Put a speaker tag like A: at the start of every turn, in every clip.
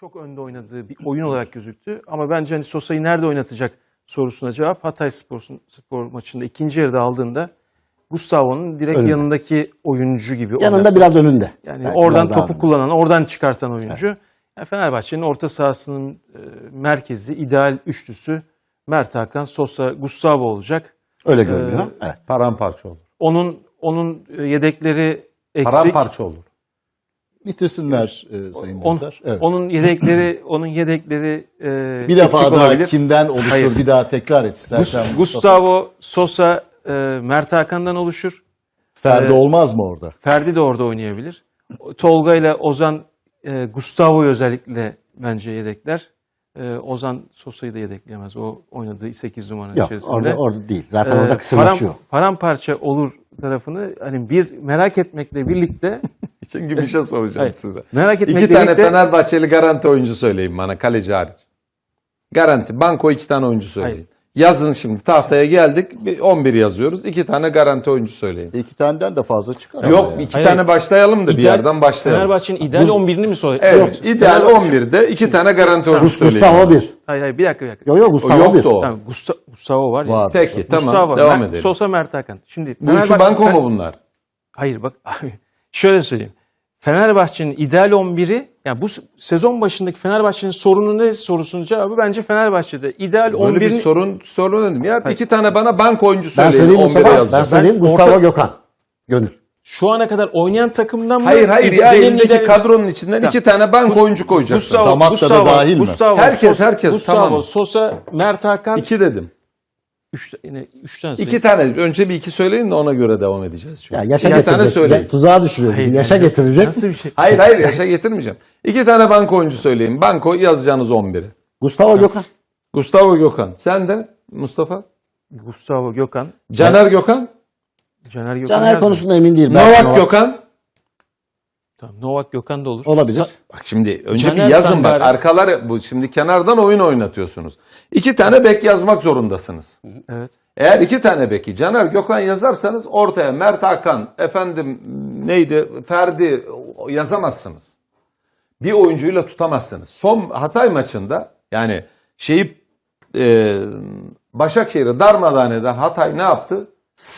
A: çok önde oynadığı bir oyun olarak gözüktü. Ama bence hani Sosa'yı nerede oynatacak sorusuna cevap Hatayspor maçında ikinci yarıda aldığında Gustavo'nun direkt
B: Önünde.
A: yanındaki oyuncu gibi
B: Yanında
A: oynattı.
B: biraz önünde.
A: Yani
B: Belki
A: oradan
B: biraz daha
A: topu
B: önünde.
A: kullanan, oradan çıkartan oyuncu. Yani Fenerbahçe'nin orta sahasının merkezi, ideal üçlüsü Mert Hakan, Sosa, Gustavo olacak.
B: Öyle görünüyor. Evet.
C: Paramparça olur.
A: Onun yedekleri eksik.
C: Paramparça olur.
D: Bitirsinler sayın dostlar. Evet.
A: Onun yedekleri
D: Bir defa
A: eksik
D: daha
A: olabilir.
D: kimden oluşur
A: Hayır.
D: bir daha tekrar et istersen. Mustafa.
A: Gustavo, Sosa, Mert Hakan'dan oluşur.
D: Ferdi olmaz mı orada?
A: Ferdi de orada oynayabilir. Tolga ile Ozan Gustavo'yu özellikle bence yedekler. Ozan Sosa'yı da yedekleyemez. O oynadığı 8 numara
B: Yok
A: içerisinde.
B: orada değil. Zaten orada kısırlaşıyor.
A: Paramparça olur tarafını hani bir merak etmekle birlikte
C: Çünkü bir şey soracağım
A: Hayır.
C: size.
A: merak etmekle
C: İki tane
A: birlikte
C: Fenerbahçeli garanti oyuncu söyleyin bana, kaleci hariç. Garanti. Banko 2 tane oyuncu söyleyin.
A: Hayır.
C: Yazın şimdi, tahtaya geldik. 11 yazıyoruz. 2 tane garanti oyuncu söyleyin.
D: İki taneden de fazla çıkar. ama
C: Yok,
D: yani.
C: 2
A: Hayır.
C: tane başlayalım da bir yerden başlayalım.
A: Fenerbahçe'nin ideal 11'ini mi soruyorsun?
C: Evet, ideal 11'de 2 tane garanti oyuncu söyleyin.
B: Gustavo 1.
A: Hayır bir dakika.
B: Yok yok Gustavo
C: O
B: 1.
C: yoktu o.
A: Tamam, Gustavo var ya.
D: Var.
C: Peki, tamam.
A: Gustavo,
C: Devam edelim.
A: Sosa, Mert Hakan. Şimdi
C: Bu üçü banko mu bunlar?
A: Hayır bak şöyle söyleyeyim. Fenerbahçe'nin ideal 11'i yani bu sezon başındaki Fenerbahçe'nin sorunu ne sorusunun cevabı bence Fenerbahçe'de ideal
C: Böyle bir
A: 11'in
C: sorun dedim. Ya 2 tane bana banko oyuncu
B: Ben
C: söyleyin.
B: söyleyeyim
C: 11'e
B: Mustafa. Ben
C: yazacağım.
B: söyleyeyim Gustavo
A: orta-
B: Gökhan. Gönül.
A: şu ana kadar oynayan takımdan mı?
C: Hayır ya,
A: Benim
C: elindeki
A: ideal-
C: kadronun içinden 2 tane banko oyuncu koyacaksın.
D: Damakta da dahil mi?
A: Gustavo,
C: Herkes,
A: Gustavo,
C: tamam.
A: Sosa, Mert Hakan.
C: 2 dedim.
A: Yine 3 tane
C: 2 tane. Önce bir 2 söyleyin de ona göre devam edeceğiz. Çünkü.
B: Ya yaşa
C: 2 tane
B: getirecek.
C: söyleyin.
B: Tuzağa düşürüyor bizi. Yaşa getirecek.
A: Nasıl bir şey?
C: Hayır yaşa getirmeyeceğim. 2 tane banko oyuncu söyleyin. Banko yazacağınız 11'i.
B: Gustavo Gökhan.
C: Gustavo Gökhan. Sen de Mustafa.
A: Gustavo, Gökhan,
C: Caner Gökhan.
A: Caner Gökhan.
B: Caner
A: yazmıyor.
B: konusunda emin değil. Belki
C: Novak Gökhan.
A: Tamam, Novak Gökhan da olur.
B: olabilir.
C: Bak şimdi önce
A: Caner
C: bir yazın bak.
A: Sangare.
C: Arkaları bu şimdi kenardan oyun oynatıyorsunuz. 2 tane bek yazmak zorundasınız.
A: Evet.
C: Eğer 2 tane beki Caner Gökhan yazarsanız ortaya Mert Hakan, Ferdi yazamazsınız. Bir oyuncuyla tutamazsınız. Son Hatay maçında yani Başakşehir'i darmadağın eden Hatay ne yaptı?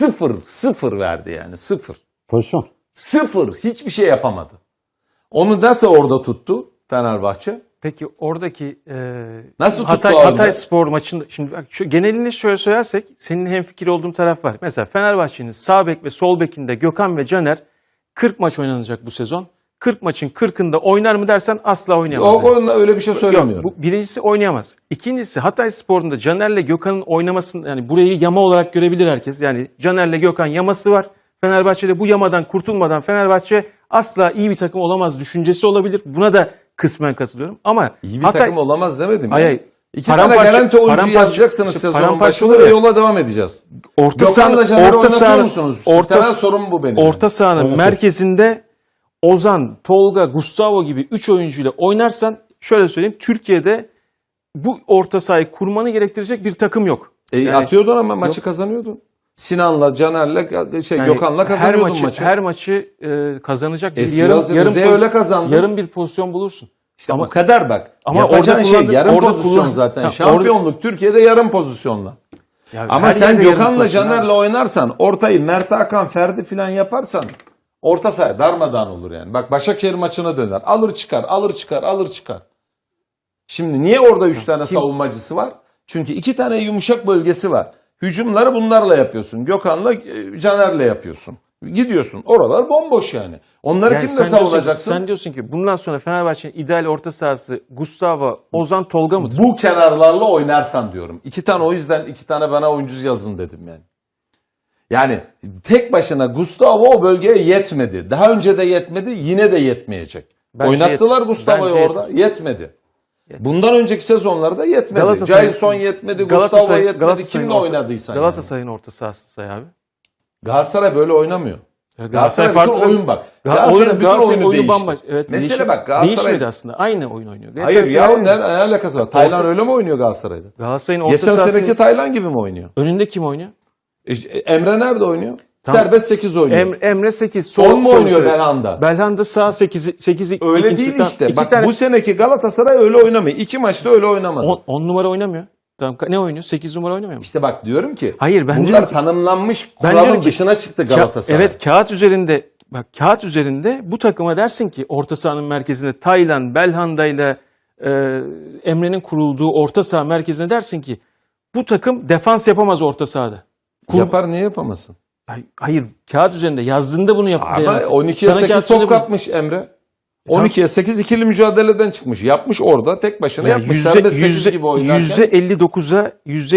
C: 0 verdi yani 0.
B: Pozisyon.
C: 0 hiçbir şey yapamadı. Onu nasıl orada tuttu Fenerbahçe?
A: Peki oradaki
C: Nasıl tuttu orada?
A: Hatay Spor maçında şimdi bak şu genelini şöyle söylersek senin hemfikir olduğun taraf var. Mesela Fenerbahçe'nin sağ bek ve sol bekinde Gökhan ve Caner 40 maç oynanacak bu sezon. 40 maçın 40'ında oynar mı dersen asla oynayamaz.
C: O konuda öyle bir şey söylemiyorum.
A: Yok, bu birincisi oynayamaz. İkincisi Hatay Spor'un da Caner'le Gökhan'ın oynamasını yani burayı yama olarak görebilir herkes. Yani Caner'le Gökhan yaması var. Fenerbahçe'de bu yamadan kurtulmadan Fenerbahçe asla iyi bir takım olamaz düşüncesi olabilir. Buna da kısmen katılıyorum. Ama
C: İyi bir takım olamaz demedim.
A: Hayır,
C: ya.
A: hayır.
C: 2 tane
A: Paramparça-
C: garanti oyuncu
A: paramparça-
C: yazacaksınız
A: işte
C: sezonun
A: paramparça
C: başında
A: olur
C: ve
A: ya.
C: yola devam edeceğiz.
A: orta
C: Gökhan'la Caner'i
A: orta
C: oynatıyor
A: saha
C: musunuz?
A: orta
C: Temel sorun bu benim.
A: Orta sahanın
B: Oynatır.
A: merkezinde Ozan, Tolga, Gustavo gibi 3 oyuncuyla oynarsan şöyle söyleyeyim Türkiye'de bu orta sahayı kurmanı gerektirecek bir takım yok. Yani-
C: Atıyordun ama maçı kazanıyordun. Sinan'la, Caner'le,
A: Yani
C: Gökhan'la kazanıyordun maçı.
A: Her maçı kazanacak bir
C: Rize öyle kazandı.
A: yarım bir pozisyon bulursun.
C: İşte
A: ama
C: bu kadar bak.
A: ama
C: Yapacağın
A: orada
C: şey
A: kullandı-
C: yarım
A: orada
C: pozisyon
A: kullan-
C: zaten.
A: Ha,
C: Şampiyonluk Türkiye'de yarım pozisyonla.
A: ya
C: Ama
A: her
C: sen
A: yerde yarım
C: Gökhan'la
A: pozisyon abi.
C: Caner'le oynarsan, ortayı Mert Hakan, Ferdi falan yaparsan orta saha darmadağın olur yani. Bak Başakşehir maçına döner. Alır çıkar. Şimdi niye orada 3 tane savunmacısı var? Çünkü 2 tane yumuşak bölgesi var. Hücumları bunlarla yapıyorsun. Gökhan'la Caner'le yapıyorsun. Gidiyorsun. Oralar bomboş yani. Onları
A: Yani
C: kimle
A: sen diyorsun ki-
C: savunacaksın?
A: Sen diyorsun ki bundan sonra Fenerbahçe'nin ideal orta sahası Gustavo, Ozan, Tolga mıdır?
C: Bu kenarlarla oynarsan diyorum. 2 tane o yüzden 2 tane bana oyuncu yazın dedim yani. Yani tek başına Gustavo o bölgeye yetmedi. Daha önce de yetmedi, yine de yetmeyecek.
A: Bence
C: Oynattılar
A: yet-
C: Gustavo'yu
A: bence
C: orada, yetmedi. Bundan önceki sezonlarda yetmedi.
A: Galatasaray-
C: Jailson yetmedi, Gustavo yetmedi. Kimle oynadıysan yani.
A: Galatasaray'ın orta sahası say abi.
C: Galatasaray böyle oynamıyor. Galatasaray
A: farklı
C: bütün oyun bak.
A: Galatasaray
C: Galatasaray bütün oyunu değişti.
A: bambaşka. Evet,
C: Mesele bak Galatasaray.
A: değişmedi aslında. Aynı oyun oynuyor. Geçen
C: Hayır ya
A: sene-
C: ne alakası var? Taylan öyle mi oynuyor Galatasaray'da?
A: Galatasaray'ın orta
C: Geçen
A: sahası
C: seneki Taylan gibi mi oynuyor?
A: önünde kim oynuyor?
C: Emre nerede oynuyor?
A: Tamam.
C: Serbest 8 oynuyor.
A: Emre 8.
C: 10 mu oynuyor Belhanda?
A: Belhanda sağ 8.
C: Öyle değil işte. Bak bu seneki Galatasaray öyle oynamıyor. 2 maçta öyle oynamadı.
A: 10 numara oynamıyor. Tamam, ne oynuyor? 8 numara oynamıyor mu?
C: İşte bak diyorum ki
A: Hayır, ben
C: bunlar
A: diyorum ki-
C: tanımlanmış
A: Ben
C: kuralın
A: diyorum ki-
C: dışına çıktı Galatasaray.
A: Evet, kağıt üzerinde bu takıma dersin ki orta sahanın merkezinde Taylan, Belhanda ile Emre'nin kurulduğu orta saha merkezine dersin ki bu takım defans yapamaz orta sahada.
C: Yapar, niye yapamasın?
A: Hayır, kağıt üzerinde yazdığında bunu
C: Ama
A: yapamaz.
C: 12'ye 8 top kapmış Emre. 12'ye 8 ikili mücadeleden çıkmış. Yapmış orada tek başına yapmış. Serbest 8 gibi oynarken.
A: %59'a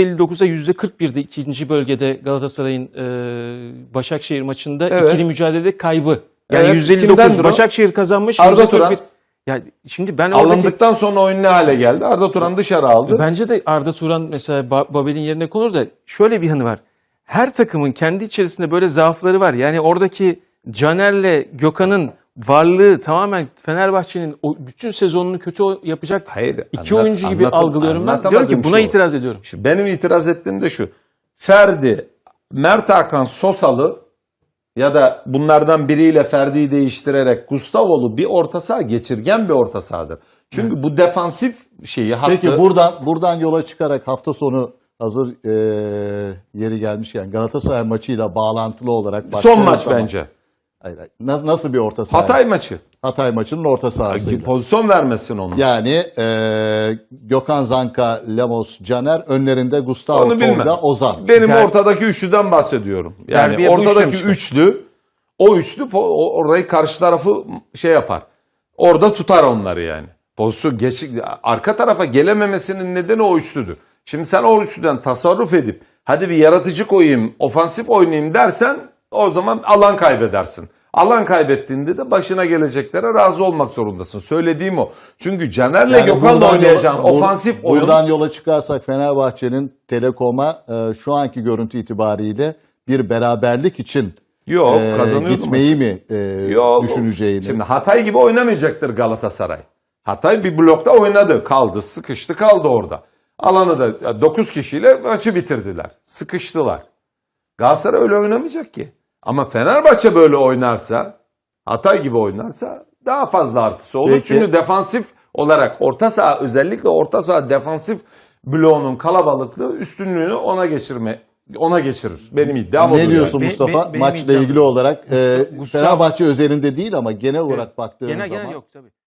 A: %41'de ikinci bölgede Galatasaray'ın Başakşehir maçında
C: Evet.
A: ikili mücadelede kaybı. Yani
C: Evet,
A: %59
C: kimdendir o?
A: Başakşehir kazanmış.
C: Arda
A: %41.
C: Turan.
A: Yani şimdi ben oradaki
C: Alındıktan sonra oyun ne hale geldi? Arda Turan dışarı aldı.
A: bence de Arda Turan mesela Babel'in yerine konur da şöyle bir yanı var. Her takımın kendi içerisinde böyle zaafları var. Yani oradaki Caner'le Gökhan'ın varlığı tamamen Fenerbahçe'nin o bütün sezonunu kötü yapacak
C: Hayır,
A: iki oyuncu gibi algılıyorum ben. Diyorum ki buna itiraz ediyorum.
C: Benim itiraz ettiğim de şu. Ferdi, Mert Hakan Sosalı ya da bunlardan biriyle Ferdi'yi değiştirerek Gustavo'lu bir orta saha geçirgen bir orta sahadır. Çünkü bu defansif şeyi hattı.
D: Peki buradan yola çıkarak hafta sonu hazır yeri gelmişken Galatasaray maçıyla bağlantılı olarak
C: son
D: baktığınız
C: maç
D: zaman-
C: bence.
D: Hayır. Nasıl bir orta saha?
C: Hatay maçı.
D: Hatay maçının orta sahasıyla.
C: Pozisyon vermesin onu.
D: Yani Gökhan Zanka, Lemos, Caner önlerinde Gustavo,
C: Onu bilmem.
D: Tolga, Ozan.
C: Benim ortadaki üçlüden bahsediyorum. Yani
A: Derbiye bu
C: ortadaki
A: üçlü
C: üçlü, o üçlü orayı karşı tarafı şey yapar. Orada tutar onları yani. Pozisyon arka tarafa gelememesinin nedeni o üçlüdür. Şimdi sen o üçlüden tasarruf edip hadi bir yaratıcı koyayım, ofansif oynayayım dersen o zaman alan kaybedersin. Alan kaybettiğinde de başına geleceklere razı olmak zorundasın. Söylediğim o. Çünkü Caner'le
D: Yani
C: Gökhan'la
D: buradan
C: oynayacağın
D: yola-
C: ofansif oyun.
D: Buradan yola çıkarsak Fenerbahçe'nin Telekom'a şu anki görüntü itibariyle bir beraberlik için
C: Yok, kazanıyordu
D: gitmeyi mi
C: Yok.
D: düşüneceğini.
C: Şimdi Hatay gibi oynamayacaktır Galatasaray. Hatay bir blokta oynadı. Kaldı. Sıkıştı kaldı orada. Alanı da 9 kişiyle maçı bitirdiler. Sıkıştılar. Galatasaray öyle oynamayacak ki. Ama Fenerbahçe böyle oynarsa, Hatay gibi oynarsa daha fazla artısı olur.
D: Peki.
C: Çünkü defansif olarak orta saha, özellikle orta saha defansif bloğunun kalabalıklığı üstünlüğünü ona geçirir. Benim iddiam odur.
D: Ne diyorsun
A: yani.
D: Mustafa?
A: Benim
D: Maçla
A: iddiam-
D: ilgili olarak
A: Gustavo-
D: Fenerbahçe özelinde değil ama genel olarak baktığınız
A: Genel
D: zaman
A: yok tabii.